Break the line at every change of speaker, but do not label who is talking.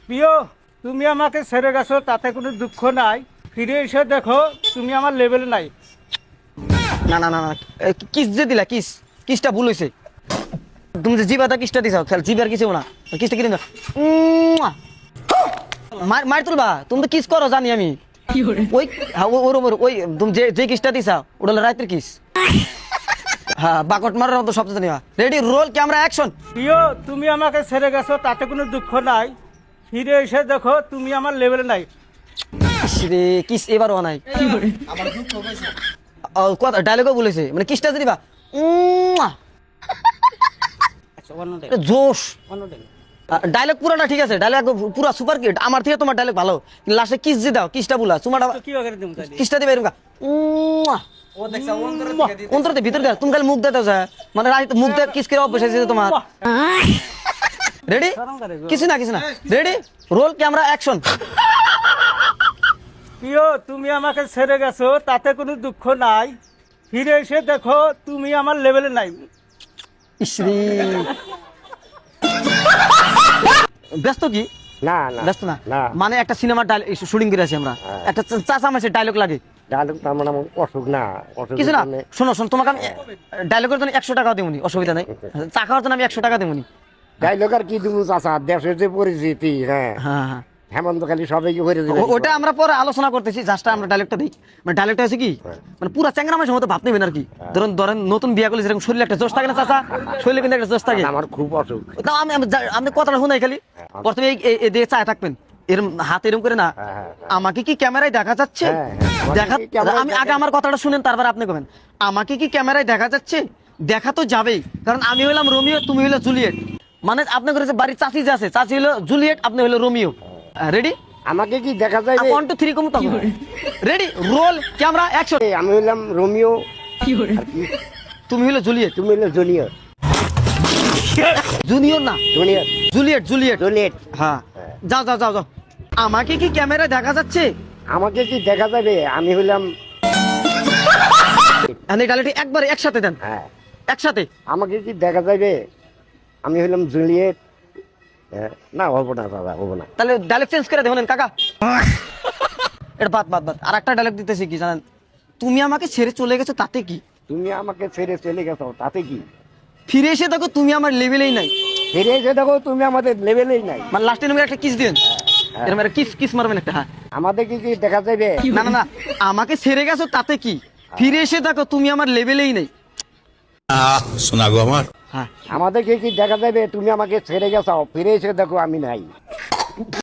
প্রিয়, তুমি আমাকে ছেড়ে গেছো তাতে কোনো দুঃখ নাই, ফিরে এসে দেখো তুমি আমার লেভেলে নাই।
না না না না, কিস যে দিলা, কিসটা ভুল হয়েছে। তুমি যে জিবাটা কিসটা দিছাও, খেল জিবার কিছু না, কিসটা কি দিলা মার তুলবা। তুমি তো কিস করো জানি আমি। ওই ওই তুমি যে কিসটা দিছা ওটা হলো রাতের কিস। হ্যাঁ, বাকট মারার মতো শব্দ জানি। Ready, roll, camera, action.
প্রিয়, তুমি আমাকে ছেড়ে গেছো তাতে কোনো দুঃখ নাই, ফিরে এসে দেখো তুমি আমার লেভেলে নাই।
রে কিস এবারও নাই, কথা ডায়লগও বলেছে, মানে কিসটা দিবা জোশ। ডায়লগ পুরাটা ঠিক আছে, ডায়লগ পুরা সুপার কিট, আমার থেকে তোমার ডায়লগ ভালো। লাস্টে কিস দিয়ে দাও, কিসটা বলা তোমার কিসটা দিবে এরকম অন্তরতে ভিতর দেয়। তুমি খালি মুখ দিয়ে দাও, মানে মুখ দিয়ে কিস করে অভ্যাস হয়েছে তোমার। রেডি, কিছু না রেডি, রোল, ক্যামেরা, অ্যাকশন।
প্রিয়, তুমি আমাকে ছেড়ে গেছো তাতে কোনো দুঃখ নাই, ফিরে এসে দেখো তুমি আমার লেভেলে নাই।
ইসরি ব্যস্ত কি?
না না
ব্যস্ত না,
না।
মানে একটা সিনেমার শুটিং করে আছি আমরা, একটা চাচা মাসের ডায়লগ লাগে।
ডায়লগ তার মানে আমার অসুখ না,
কিছু না, শোনো তোমাকে আমি ডায়লগের জন্য 100 টাকা দেবনি, অসুবিধা নাই। চা খাওয়ার জন্য আমি 100 টাকা দেবনি।
ডায়লগ আর কি তুমি চাচা, দেশের যে পরিস্থিতি, হ্যাঁ
হ্যাঁ,
হেমন্ত খালি সবাইকে করে দিবে।
ওটা আমরা পরে আলোচনা করতেছি, জাস্টটা আমরা ডায়লগটা দিই। মানে ডায়লগটা আছে কি, মানে পুরা চ্যাংরা মাসের মতো ভাব নেবেন আর কি। ধরেন নতুন বিয়া করলে যেরকম শরীরে একটা জোশ থাকে না চাচা, শরীরে কিন্তু একটা জোশ থাকে।
আমার খুব অসুখ।
তাও আমি কথাটা শুনাই খালি। প্রথমে এই দিয়ে চায় থাকবেন, এরম হাত এরম করে না। আমাকে কি ক্যামেরায় দেখা যাচ্ছে? আমি আগে আমার কথাটা শুনেন, তারপর আপনি কবেন আমাকে কি ক্যামেরায় দেখা যাচ্ছে। দেখা তো যাবেই, কারণ আমি হলাম রোমিও, তুমি হলো জুলিয়েট। মানে আপনি করেছে বাড়ির চাচি যে আছে, চাচি হলো জুলিয়েট, আপনি হলো রোমিও। রেডি,
আমাকে কি দেখা যায়?
1 2 3 কম তো। Ready, roll, camera, action.
আমি হইলাম রোমিও,
তুমি হলো জুলিয়েট।
তুমি হইলে জুনিয়র।
জুনিয়র না,
জুনিয়র,
জুলিয়েট। হ্যাঁ, যাও। আমাকে কি ক্যামেরায় দেখা যাচ্ছে?
আমাকে কি দেখা যাবে? আমি হইলাম,
এই ডায়লগটি একবারে একসাথে দেন।
হ্যাঁ
একসাথে,
আমাকে কি দেখা যাবে? আমি হইলাম জুলিয়েট। না হবো না দাদা, হবো না।
তাহলে ডায়লগ চেঞ্জ করে দেবেন কাকা। এটা বাদ। আর একটা ডায়লগ দিতেছি কি জানেন, তুমি আমাকে ছেড়ে চলে গেছো তাতে কি,
তুমি আমাকে ছেড়ে চলে গেছো তাতে কি,
ফিরে এসে দেখো তুমি আমার লেভেলেই নাই।
ফিরে এসে দেখো তুমি আমাদের লেভেলেই নাই।
মানে লাস্টে তুমি একটা কিস দিবেন, এরকম একটা কিস মারবেন একটা। হ্যাঁ,
আমাদের কি কি দেখা যাবে?
না, আমাকে ছেড়ে গেছো তাতে কি, ফিরে এসে দেখো তুমি আমার লেভেলেই নেই।
শোনা গো আমার।
হ্যাঁ,
আমাদের কি কি দেখা যাবে? তুমি আমাকে ছেড়ে গেছো, ফিরে এসে দেখো আমি নাই।